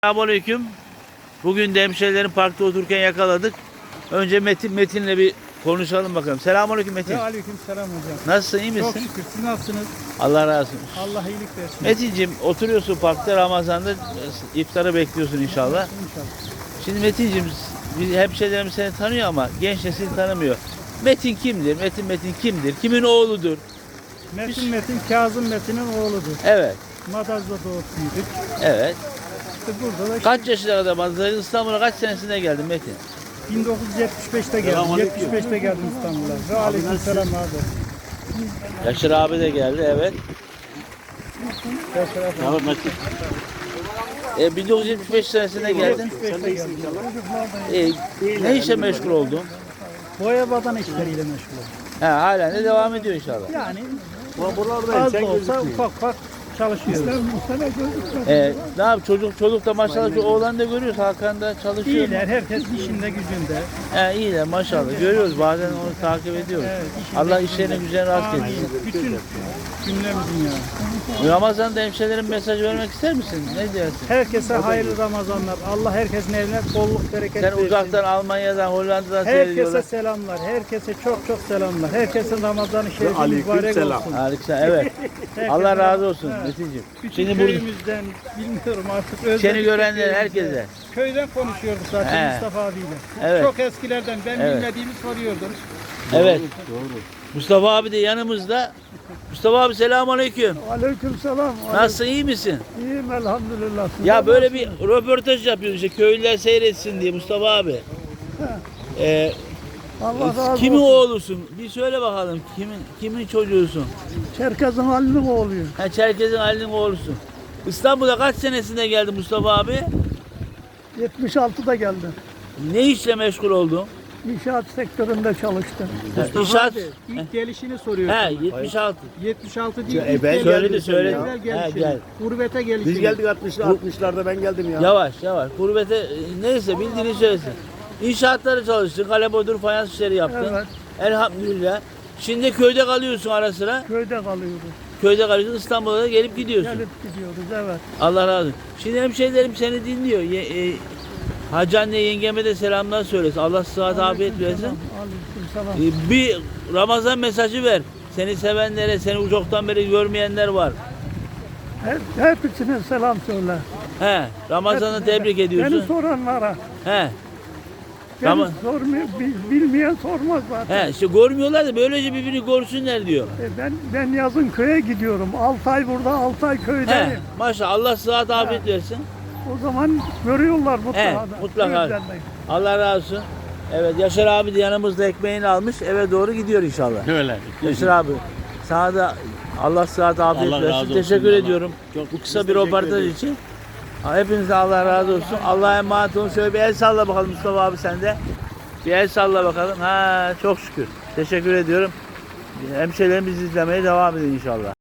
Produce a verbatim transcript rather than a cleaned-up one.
Selamünaleyküm. Bugün de hemşehrilerin parkta otururken yakaladık. Önce Metin Metin'le bir konuşalım bakalım. Selamünaleyküm Metin. Ve aleyküm selam hocam. Nasılsın, iyi misin? Çok şükür. Siz nasılsınız? Allah razı olsun. Allah iyilik versin. Metin'cim oturuyorsun parkta, Ramazan'da iftarı bekliyorsun inşallah. İnşallah. Şimdi Metin'cim biz hemşehrilerimiz seni tanıyor ama genç nesil tanımıyor. Metin kimdir? Metin Metin kimdir? Kimin oğludur? Metin Metin, Kazım Metin'in oğludur. Evet. Madaz'da doğup büyüdük. Evet. İşte burada da Kaç yaşına kadar Madaz'da? İstanbul'a kaç senesinde geldin Metin? bin dokuz yüz yetmiş beşte geldim. yetmiş beşte geldim İstanbul'a. Ve aleyküm selam abi. Yaşar abi de geldi, evet. Yaşar abi. E, bin dokuz yüz yetmiş beş senesinde geldin. yetmiş beşte geldim. E, ne işe meşgul oldun? Boya badana işleriyle meşgul oldum. Ha, halen de devam ediyor inşallah. Yani az da olsa ufak ufak çalışıyoruz. E, ne yap çocuk çocuk da maşallah şu oğlan da görüyoruz, Hakan da çalışıyor. İyiler, herkes işinde gücünde. He, iyiler maşallah, görüyoruz, bazen onu takip ediyoruz. Evet, işinde Allah gücünde. işlerini güzel rast Amin. etsin. Bütün cümlemizin yani. Ramazan'da hemşehrilerin mesaj vermek ister misin? Ne diyorsun? Herkese hayırlı Ramazanlar. Allah herkesin eline bolluk bereket Sen versin. uzaktan Almanya'dan, Hollanda'dan Herkese seyrediyorlar. selamlar. Herkese çok çok selamlar. Herkesin Ramazan-ı Şerifi mübarek olsun. Harika, evet. Herkese Allah razı olsun Evet. Metin'ciğim. Bütün Şimdi burada köyümüzden bilmiyorum artık. özledik seni görenler köyümüzde. herkese. Köyden konuşuyorduk zaten He. Mustafa abiyle. Evet. Çok eskilerden ben Evet. bilmediğimi soruyordum. Evet. Mustafa abi de yanımızda. Mustafa abi selamünaleyküm. Aleykümselam. Nasılsın, iyi misin? İyiyim elhamdülillah. Siz Ya de böyle bir nasılsınız? röportaj yapıyoruz işte, köylüler seyretsin diye Mustafa abi. Ee, Allah razı kimin olsun. oğlusun? Bir söyle bakalım, kimin kimin çocuğusun? Çerkez'in halinin oğluyum. Ha, Çerkez'in Ali'nin oğlusun. İstanbul'a kaç senesinde geldin Mustafa abi? yetmiş altıda geldim. Ne işle meşgul oldun? İnşaat sektöründe çalıştım. Ha, Mustafa İnşaat. abi ilk gelişini soruyorum. He, yetmiş altı. yetmiş altı değil. E, ilk ben gelişini. söyledi, söyledi. Güzel He, gelişini. gel. Gurbete gelişini. Biz geldik altmışlı altmışlarda ben geldim ya. Yavaş yavaş. Gurbete e, neyse bildiğini söylesin. İnşaatları çalıştın, kale bodur, fayans işleri yaptın. Evet. Elhamdülillah. Şimdi köyde kalıyorsun ara sıra. Köyde kalıyoruz. Köyde kalıyorsun, İstanbul'a da gelip gidiyorsun. Gelip gidiyoruz evet. Allah razı olsun. Şimdi hemşehrilerim seni dinliyor. Ye, e, Hacı anne yengeme de selamlar söylesin. Allah sıhhat afiyet versin. Aleykümselam. E, bir Ramazan mesajı ver. Seni sevenlere, seni uzaktan beri görmeyenler var. Hep, hepsine selam söyle. He, Ramazan'ı Hepsine. tebrik ediyorsun. Beni soranlara. He. Beni Rama- sormuyor, bil- bilmeyen sormaz zaten. He, işte görmüyorlar da böylece birbirini görsünler diyor. E, Ben ben yazın köye gidiyorum. altı ay burada, altı ay köydeyim. He, maşallah Allah sıhhat afiyet versin. O zaman görüyorlar mutlaka. He, da. mutlaka. Gözlerine. Allah razı olsun. Evet, Yaşar abi de yanımızda ekmeğini almış, eve doğru gidiyor inşallah. Öyle. Yaşar abi, sana da Allah sıhhat afiyet Allah versin. razı olsun. Teşekkür Allah. ediyorum Çok- bu kısa biz bir teşekkür röportaj ederiz. için. Hepinize Allah razı olsun. Allah'a emanet olun. Şöyle bir el salla bakalım Mustafa abi sen de. Bir el salla bakalım. Ha, çok şükür. Teşekkür ediyorum. Hemşehrilerimizi izlemeye devam edin inşallah.